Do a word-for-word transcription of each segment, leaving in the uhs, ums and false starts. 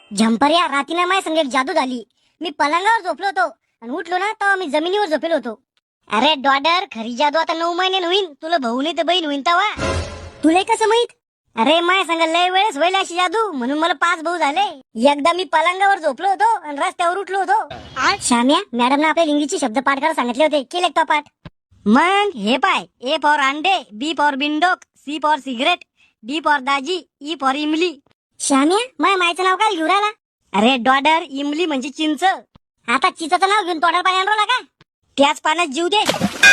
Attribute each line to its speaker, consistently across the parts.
Speaker 1: झंपऱ्या रातीला माय संग एक जादू झाली. मी पलंगावर झोपलो होतो आणि उठलो ना तेव्हा मी जमिनीवर झोपेलो होतो. अरे डॉडर, खरी जादू आता नऊ महिने होईन. तुला भाऊ नाही तर बहीण होईन तवा. तुला कसं माहित? अरे माय सांग लय वेळेस होईल अशी जादू, म्हणून मला पाच भाऊ झाले. एकदा मी पलंगावर झोपलो होतो आणि रस्त्यावर उठलो होतो. आज शाम्या मॅडम ने आपल्याला इंग्लिशचे शब्द पाठ करायला सांगितले होते. केले का पाठ? मग हे पाय, ए फॉर अंडे, बी फॉर बिंडोक, C for cigarette, D for दाजी, ई फॉर इमली. श्याम्या माय मायचं नाव काय घेऊन राहिला? अरे डॉडर, इमली म्हणजे चिंच. आता चिंचाचं नाव घेऊन तोंडावर पाणी आणला का? त्याच पाण्यात जीव दे.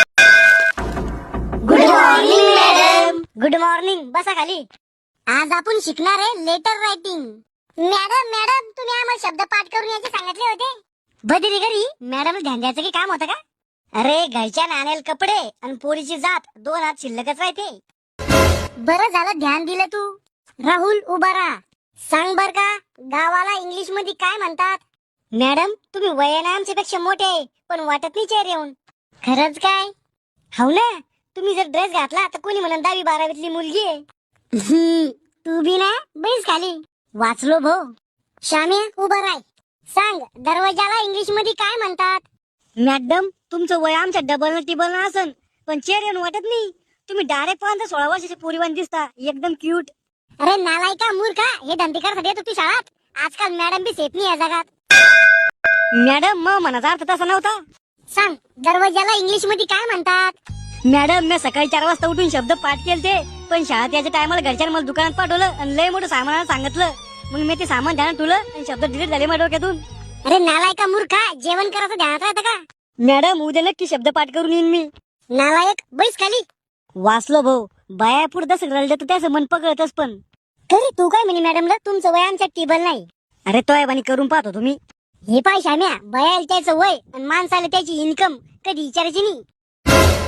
Speaker 1: Good morning madam. Good morning. बसा खाली. आज आपण शिकणार आहे लेटर रायटिंग. मॅडम मॅडम तुम्ही आम्हाला शब्द पाठ करून यायचे सांगितले होते. बदली घरी मॅडम ध्यान द्यायचं की काम होतं का? अरे घरच्या नाण्याला कपडे आणि पोरीची जात दोन हात शिल्लकच राहते. बरं झालं ध्यान दिलं तू. राहुल उभा राहा. सांग बर का गावाला इंग्लिश मध्ये काय म्हणतात? मॅडम तुम्ही वयाने आमच्यापेक्षा मोठे आहे पण वाटत नाही चेहरे येऊन. खरंच काय? हो ना. तुम्ही जर ड्रेस घातला तर कोणी म्हणून दहावी बारावीतली मुलगी आहे. तू बी ना बैस खाली. वाचलो भो. श्याम्या उभा राय. सांग दरवाजाला इंग्लिश मध्ये काय म्हणतात? मॅडम तुमचं वय आमच्या डबल न टिबल न असन पण चेहरे वाटत नाही. तुम्ही डायरेक्ट पाच सोळा वर्षाची पोरीवान दिसता. एकदम क्यूट. अरे नालायका मूर्खा, हे धंदे करतात येतो तू शाळात. आजकाल मॅडम बी सेफ नाही या जगात. मॅडम मग मनाचा अर्थ तसा नव्हता. सांग दरवाजाला इंग्लिश मध्ये काय म्हणतात? मॅडम मी सकाळी चार वाजता उठून शब्द पाठ केलते पण शाळेत याच्या टायमाला घरच्यानं मला दुकानात पाठवलं आणि लय मोठं सामान सांगितलं. मग मी ते सामान ध्यानात ठेवलं आणि शब्द डिलीट झाले माझ्या डोक्यातून. अरे नालायका मूर्खा, जेवण करायचं ध्यानात राहतं का? मॅडम उद्या नक्की शब्द पाठ करून येईन मी. नालायक बैस खाली. वाचलो भाऊ. बाया पुढे तसं रडलं तर त्याचं मन पकडतच पण. तरी तू काय म्हणे मॅडमला तुमचं वय आमच्या टेबल नाही. अरे तोयबानी करून पाहतो तुम्ही. हे पाय श्याम्या, बयाला त्याचं वय आणि माणसाला त्याची इन्कम कधी विचारायची नाही.